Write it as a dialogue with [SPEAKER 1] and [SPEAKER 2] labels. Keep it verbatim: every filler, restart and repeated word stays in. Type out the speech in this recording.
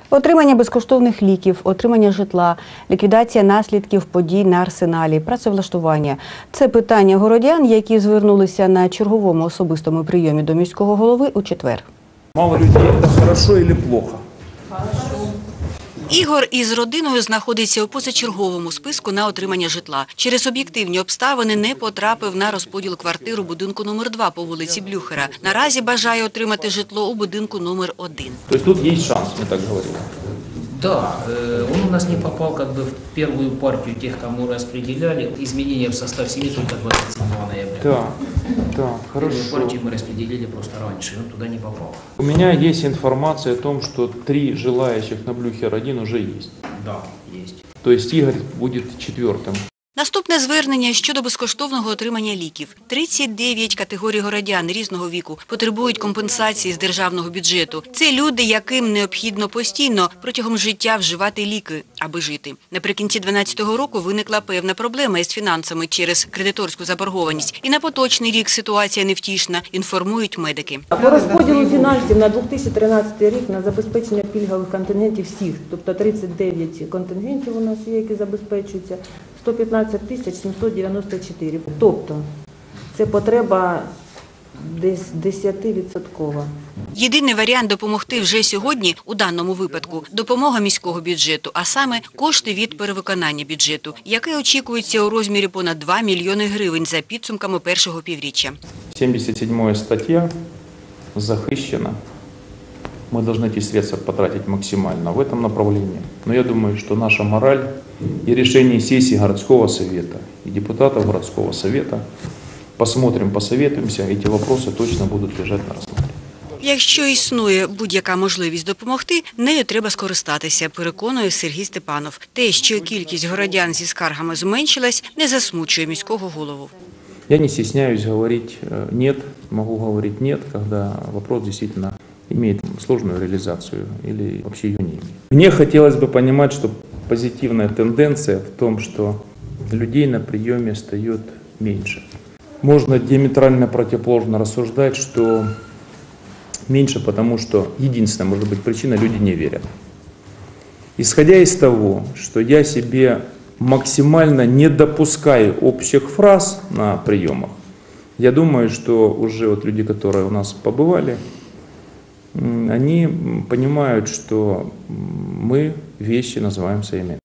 [SPEAKER 1] Отримання безкоштовних ліків, отримання житла, ліквідація наслідків подій на Арсеналі, працевлаштування – це питання городян, які звернулися на черговому особистому прийомі до міського голови у четвер.
[SPEAKER 2] Мало людей – це хорошо чи плохо?
[SPEAKER 1] Ігор із родиною знаходиться у позачерговому списку на отримання житла. Через об'єктивні обставини не потрапив на розподіл квартиру будинку номер два по вулиці Блюхера. Наразі бажає отримати житло у будинку номер один.
[SPEAKER 2] Тобто тут є шанс, ми так говорили?
[SPEAKER 3] Да, он у нас не попал как бы в первую партию тех, кому распределяли. Изменения в состав семьи только двадцать седьмого ноября.
[SPEAKER 2] Да, да, хорошо.
[SPEAKER 3] Первую партию мы распределили просто раньше, он туда не попал.
[SPEAKER 2] У меня есть информация о том, что три желающих на Блюхер один уже есть.
[SPEAKER 3] Да, есть.
[SPEAKER 2] То есть Игорь будет четвертым.
[SPEAKER 1] Наступне звернення щодо безкоштовного отримання ліків. тридцять дев'ять категорій городян різного віку потребують компенсації з державного бюджету. Це люди, яким необхідно постійно протягом життя вживати ліки, аби жити. Наприкінці дві тисячі дванадцятого року виникла певна проблема із фінансами через кредиторську заборгованість. І на поточний рік ситуація невтішна, інформують медики.
[SPEAKER 4] По розподілу фінансів на дві тисячі тринадцятий рік на забезпечення пільгових контингентів всіх, тобто тридцять дев'ять контингентів у нас є, які забезпечуються, сто п'ятнадцять тисяч сімсот дев'яносто чотири. Тобто це потреба десь десятивідсоткова.
[SPEAKER 1] Єдиний варіант допомогти вже сьогодні, у даному випадку, допомога міського бюджету, а саме кошти від перевиконання бюджету, яке очікується у розмірі понад два мільйони гривень за підсумками першого півріччя.
[SPEAKER 2] сімдесят сьома стаття захищена. Мы должны эти средства потратить максимально в этом направлении. Но я думаю, что наша мораль и решение сессии городского совета и депутатов городского совета, посмотрим, посоветуемся, эти вопросы точно будут лежать на рассмотрении.
[SPEAKER 1] Якщо існує будь-яка можливість допомогти, нею треба скористатися, переконує Сергій Степанов. Те, що кількість городян зі скаргами зменшилась, не засмучує міського голову.
[SPEAKER 2] Я не стесняюсь говорить «нет», могу говорить «нет», когда вопрос действительно имеет сложную реализацию или вообще ее не имеет. Мне хотелось бы понимать, что позитивная тенденция в том, что людей на приеме стает меньше. Можно диаметрально противоположно рассуждать, что меньше, потому что единственная, может быть, причина – люди не верят. Исходя из того, что я себе максимально не допускаю общих фраз на приемах, я думаю, что уже вот люди, которые у нас побывали, они понимают, что мы вещи называем своими.